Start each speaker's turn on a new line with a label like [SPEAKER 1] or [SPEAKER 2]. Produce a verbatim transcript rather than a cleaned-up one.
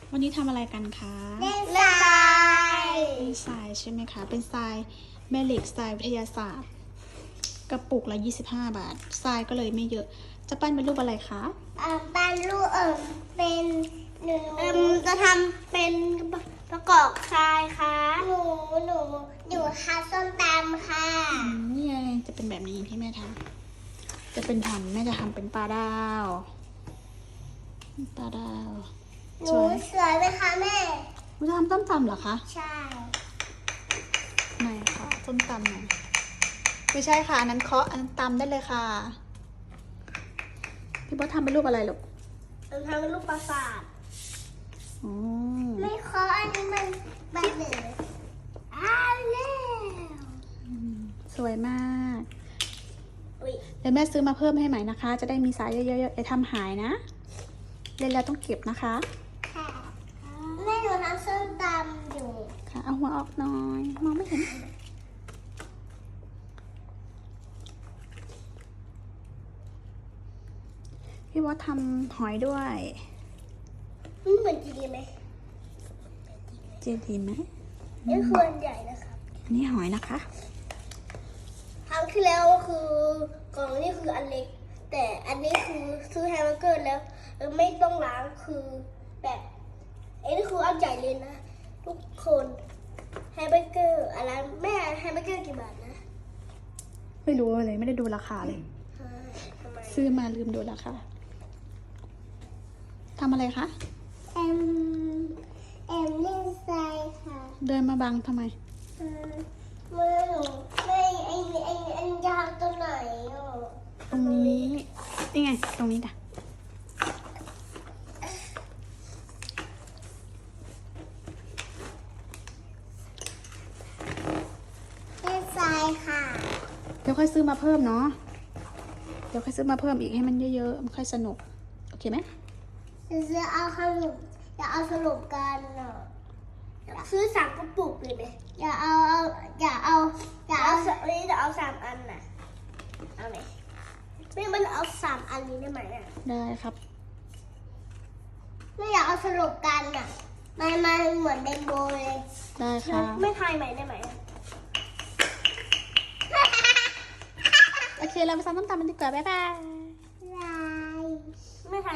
[SPEAKER 1] วันนี้ทำอะไรกันคะ
[SPEAKER 2] เล่นทราย
[SPEAKER 1] เล่นทรายใช่ไหมคะ เป็นทรายแม่เหล็กทรายวิทยาศาสตร์ กระปุกละยี่สิบห้าบาททรายก็เลยไม่เยอะ จะปั้นเป็นรูปอะไรคะ
[SPEAKER 2] อ่าปั้นรูปเอิมเป็นหนูเอิมจะทำเป็นประกอบทรายค่ะหนูหนูอยู่ทำส้มตำค่ะ
[SPEAKER 1] อืมนี่ไงจะเป็นแบบนี้ที่แม่ทำจะเป็นทำแม่จะทำเป็นปลาดาวปลาดาว
[SPEAKER 2] ห
[SPEAKER 1] ส
[SPEAKER 2] นู
[SPEAKER 1] วย
[SPEAKER 2] สวยไหมคะแม่
[SPEAKER 1] คุณจะทำต้มตำเหรอคะ
[SPEAKER 2] ใช่
[SPEAKER 1] ไหนคะต้มตำไหนไม่ใช่ค่ะอันนั้นเคาะอันนั้นตำได้เลยค่ะพี่บอสทำเป็นรูปอะไรลูก
[SPEAKER 2] หนูทำเป็นรูปปราสาท
[SPEAKER 1] อ๋อ
[SPEAKER 2] ไม่ขออันนี้มันแบบหนึ่งอ้าวแล้ว
[SPEAKER 1] สวยมาก
[SPEAKER 2] อุ๊ย
[SPEAKER 1] เดี๋ยวแม่ซื้อมาเพิ่มให้ใหม่นะคะ จะได้มีสายเยอะๆอย่าทำหายนะเล่นแล้วต้องเก็บนะคะ
[SPEAKER 2] ค่ะแม่หนูทำส้มตำอยู่
[SPEAKER 1] ค่ะเอาหัวออกหน่อย มองไม่เห็นพี่บอสทำหอยด้วย
[SPEAKER 2] นี่เหมือนจีดีไหม
[SPEAKER 1] เจดีไหม
[SPEAKER 2] นี่คืออันใหญ่นะครับ
[SPEAKER 1] อันนี้หอยนะคะ
[SPEAKER 2] ครั้งที่แล้วคือกล่องนี่คืออันเล็ก แต่อันนี้คือซื้อแฮมเบอร์เกอร์แล้วเออไม่ต้องล้างคือแบบไอ้นี่คืออันใหญ่เลยนะ ทุกคนแฮมเบอร์เกอร์อะไรแม่แฮมเบอร์เกอร์กี่บาทนะ
[SPEAKER 1] ไม่รู้เลยไม่ได้ดูราคาเลย
[SPEAKER 2] ฮะทำไม
[SPEAKER 1] ซื้อมาลืมดูราคาทำอะไรคะ
[SPEAKER 2] แอมแอมเล่นทรายค่ะ
[SPEAKER 1] เดินมาบังทำไม
[SPEAKER 2] เออมือหนูไม่ไอ้ไอ้ไอ้ยาวตัวไหนอ่ะ
[SPEAKER 1] ตรงนี้นี่ไง ตรงนี้จ้ะ
[SPEAKER 2] เล่นทรายค่ะ
[SPEAKER 1] เดี๋ยวค่อยซื้อมาเพิ่มเนาะเดี๋ยวค่อยซื้อมาเพิ่มอีกให้มันเยอะๆมันค่อยสนุกโอเคไหม
[SPEAKER 2] จะเอาขนมจะเอาสรุปกันอ่ะซื้อสามกระปุกเลยไหมอย่าเอาเอาอย่าเอาอย่าเอานี่จะเอาสามอันน่ะเอาไหมไม่มันเอาสามอันนี้ได้ไหมอ่ะ
[SPEAKER 1] ได้ครับ
[SPEAKER 2] ไม่อยากเอาสรุปกันอ่ะมันมันเหมือนเรนโบว์เลย
[SPEAKER 1] ได้ค่ะ
[SPEAKER 2] ไม่ทายใหม่ได้ไหม
[SPEAKER 1] โอเคเราไปซ้อมต้มตำกันดีกว่าบ๊ายบาย
[SPEAKER 2] ลายไม่ทาย